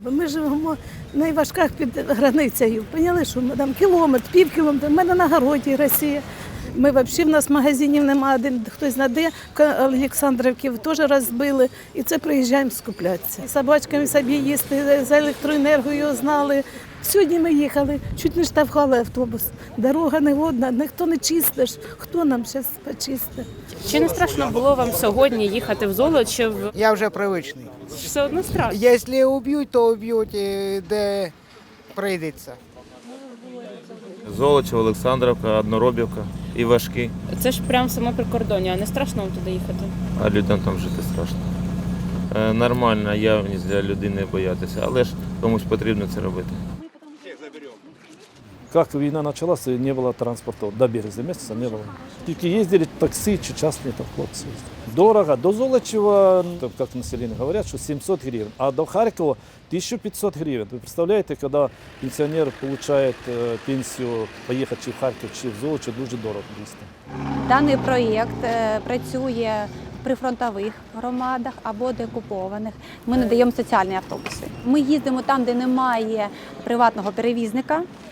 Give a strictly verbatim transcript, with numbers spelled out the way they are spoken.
Ми живемо в найважках під границею. Поняли, що ми там кілометр, пів кілометра, в мене на городі Росія. Ми взагалі, в нас магазинів немає, один хтось знаде, Олександрівки теж розбили, і це приїжджаємо скуплятися. Собачками собі їсти, за електроенергію знали. Сьогодні ми їхали, чуть не штовхали автобус. Дорога не водна, ніхто не чистиш. Хто нам зараз почистить? Чи не страшно було вам сьогодні їхати в Золочів? Я вже привичний. Все одно страшно. Якщо уб'ють, то уб'ють, і де прийдеться. Золочів, Олександрівка, Одноробівка і Важкі. Це ж прямо саме прикордоння, а не страшно вам туди їхати? А людям там жити страшно. Е, Нормальна явність для людини боятися, але ж комусь потрібно це робити. Как война началась, не было транспорта, до березня месяца не было. Тільки ездили такси чи частные там хлопцы. Дорого. До Золочева, как население говорят, что семьсот гривен, а до Харькова тысяча пятьсот гривен. Вы представляете, когда пенсионер получает э, пенсию, поехать чи в Харків, чи в Золочев, дуже дорого дійсно. Даний проєкт е, працює в прифронтових громадах або деокупованих. Ми надаємо соціальні автобуси. Ми їздимо там, де немає приватного перевізника.